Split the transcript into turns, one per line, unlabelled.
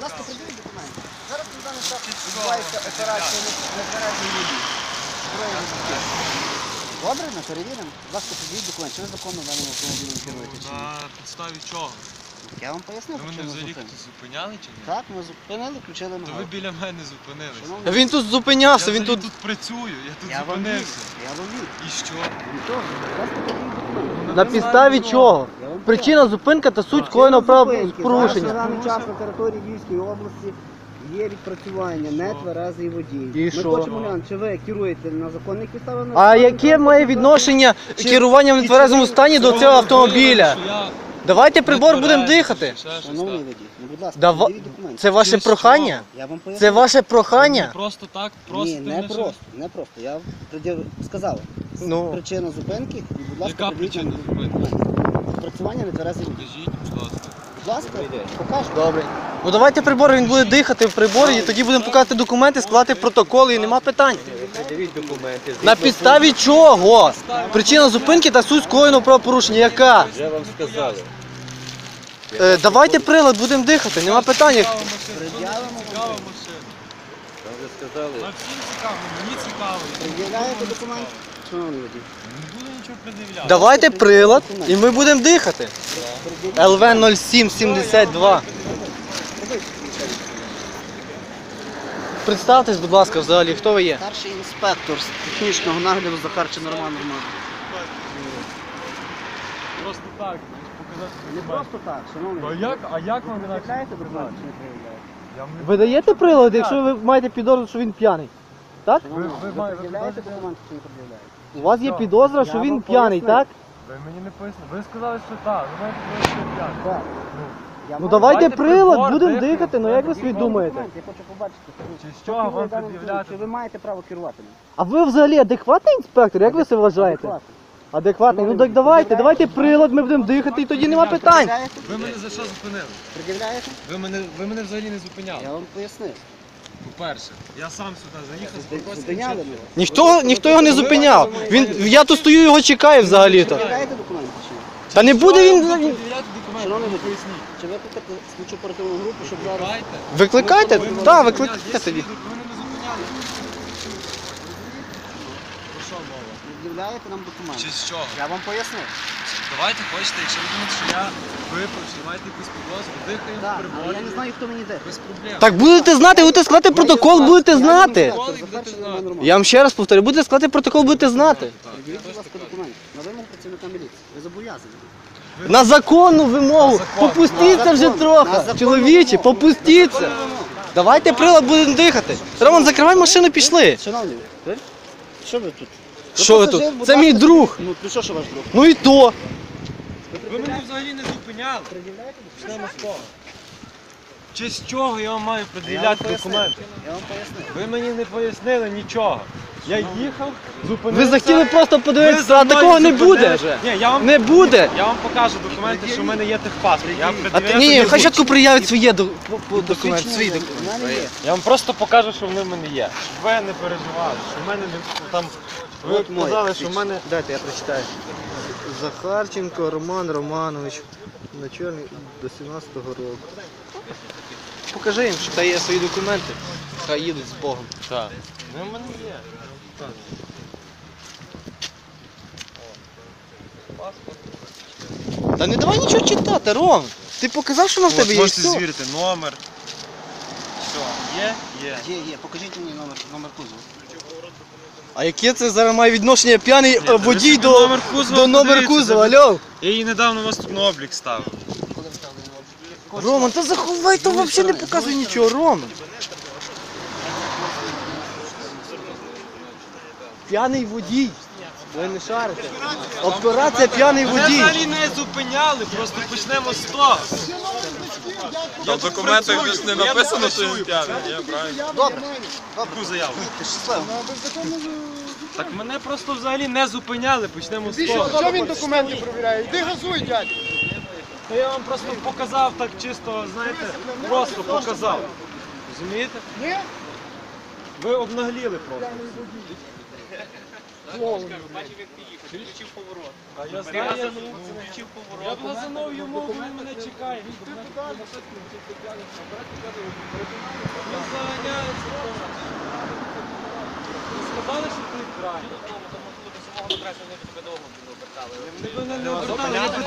ласка, приділіть документи. Зараз на даний час відбувається операція на збереженні воді. Добре, ми перевіримо. Будь ласка, приділіть документи. Чи ви законно даним автомобілем керуєте?
На підставі чого?
Я вам пояснив,
Ви мене
чому
взагалі
зупинили.
зупиняли чи ні?
Так, ми зупинили, включили
То ви
мигалку.
біля мене зупинилися.
Шановний,
Він тут зупинявся,
Я
він
взагалі
тут...
тут працюю, я тут
Я вам вірю,
зупинився.
я вам вірю.
І що?
Нічого, будь ласка, приділіть документи.
На підставі чого?
Я вам
Причина зупинка та суть скоєного правопорушення.
Зараз на даний час на території Львівської області є відпрацювання нетверезий водій.
І
Ми
що?
хочемо глянути, чи ви керуєте на законних підставах?
А яке має відношення керування в нетверезому стані до цього автомобіля? Давайте прибор будемо дихати.
Шановний водій, ну будь ласка,
Дава-
приділіть документи.
Це ваше прохання?
Я вам поясню.
Це ваше прохання?
Просто так,
Ні,
просто
не просто, не просто. Я сказав.
Ну.
Причина зупинки, і, будь ласка,
Яка
приділіть нам
причина зупинки?
документи. Відпрацювання нетверезий водій.
Покажіть, будь ласка.
Будь ласка, покажу.
Добре. Ну давайте прибор, він буде дихати в приборі, і тоді будемо показувати документи, складати протоколи, і нема питань.
Документи.
На підставі чого? Причина зупинки та суть скоєного правопорушення. Яка?
Вже вам сказали.
Давайте прилад, будемо дихати, нема питань.
Цікава машина.
Вам вже сказали.
А всім цікаво, мені цікаво.
Пред'являєте документи? Шановний водій.
Не буду нічого пред'являти.
Давайте прилад, і ми будемо дихати. ЛВ 0772. Представтесь, будь ласка, взагалі, хто ви є?
Старший інспектор з технічного нагляду Захарчин Роман Романович.
Просто так, показати
Не просто так, шановний.
А як вам інакше?
Пред'являєте документи чи не пред'являєте?
Ви даєте прилад, якщо ви маєте підозру, що він п'яний? Так?
Шановний,
ви
ви
маєте
пред'являєте
підозру?
документи чи не пред'являєте?
У вас є підозра, що
Я
він
вам
п'яний,
пояснив.
так?
Ви мені не пояснили. Ви сказали, що так. Ви маєте пояснити як.
Так. Я
Ну
маю
давайте
Давайте
прилад,
прибор,
будемо
дихаємо.
дихати, ну як ви собі
документи,
думаєте?
Я хочу побачити.
Чи з чого вам
Даним
пред'являти?
Чи ви маєте право керувати ним?
А ви взагалі адекватний інспектор? Як ви себе вважаєте?
Адекватно.
Адекватний? Ну так давайте прилад, ми будемо дихати і тоді нема питань.
Пред'являєте?
Ви мене за що зупинили?
Пред'являєте?
Ви мене взагалі не зупиняли.
Я вам пояснив.
По-перше, я сам сюди заїхав, спокійно.
Зупиняли мене.
Ніхто його не зупиняв. Я тут стою, його чекаю взагалі-то.
Пред'являєте документи чи ні?
Та не буде він.
Пред'являти
Шановний
документи,
водій,
поясніть.
чи викликати слідчу оперативну групу, щоб зараз...
Викликайте?
Викликайте.
Так, викликайте тоді.
Ви мене не зупиняли. Про що мова?
Пред'являєте нам документи.
Чи з чого?
Я вам пояснив.
Давайте хочете, якщо ви думаєте, що я випив, що маєте якусь підозру, дихаємо в
Так, але
приборі.
я не знаю, хто мені де.
Без проблем.
Так будете знати, будете складати протокол, будете знати. Я вам ще раз повторю, будете складати протокол, будете знати.
Пред'явіть, будь ласка, документи. На вимогу працівника міліції. Ви зобов'язані.
На законну вимогу. Попустіться вже
На
трохи.
законну
Чоловічі,
вимогу.
попустіться. Давайте прилад, будемо дихати. Роман, закривай машину, пішли.
Шановні, ви? Що ви тут?
Що ви тут? Це мій друг.
Ну, то що ваш друг?
Ну і то.
Ви мене взагалі не зупиняли.
Пред'являєте документи?
Почнемо з того. Чи з чого я вам маю
Я вам
пред'являти
пояснив.
документи?
Я вам пояснив.
Ви мені не пояснили нічого. Я їхав, зупинився.
Ви захотіли просто
Ви
подивитися,
за
а
мною
такого не
зупинилися.
буде.
Ні, я вам
Не буде.
Я вам покажу документи, що в мене є техпаспорт.
Ні, хай спочатку приявить свої документи. Свої документи.
У мене є.
Я вам просто покажу, що вони в мене є. Щоб ви не переживали, що в мене не там. Ви
От мой
казали, що в мене.
Дайте, я прочитаю. Захарченко Роман Романович. Начальник до 17-го року. Покажи їм, що та є свої документи. Хай їдуть з Богом.
Так. Ну в мене є.
Та не давай нічого читати, Ром. Ти показав, що на в тебе є.
Можете
Все.
звірити номер. Все, є? Є.
Є. Покажіть мені номер кузова.
А яке це зараз має відношення п'яний водій
собі номер кузова
до номер
подивіться,
кузова, алло?
Я її недавно у вас тут на облік ставив.
Коли ви ставили на облік?
Роман, та заховай, то взагалі не показує нічого, Роман. П'яний водій. Ви не шарите. Операція п'яний
Мене
водій.
взагалі не зупиняли, просто почнемо з того.
Там в документах ж не написано, що він п'яний, є, правильно?
Добре.
Таку заяву.
Ти щасливо.
Так мене просто взагалі не зупиняли, почнемо з того.
Що він документи перевіряє? Іди газуй, дядь.
То я вам просто показав так чисто, знаєте, просто показав. Розумієте?
Ні?
Ви обнагліли просто.
Бачив, як ти їхав, ти включив поворот.
А я
Знаю, включив поворот.
Я блазанув йому, він мене чекає. Він заганяється. Сказали, що ти граєш.
Тому до самого адресу вони тебе довго обертали.
Вони мене не обертали,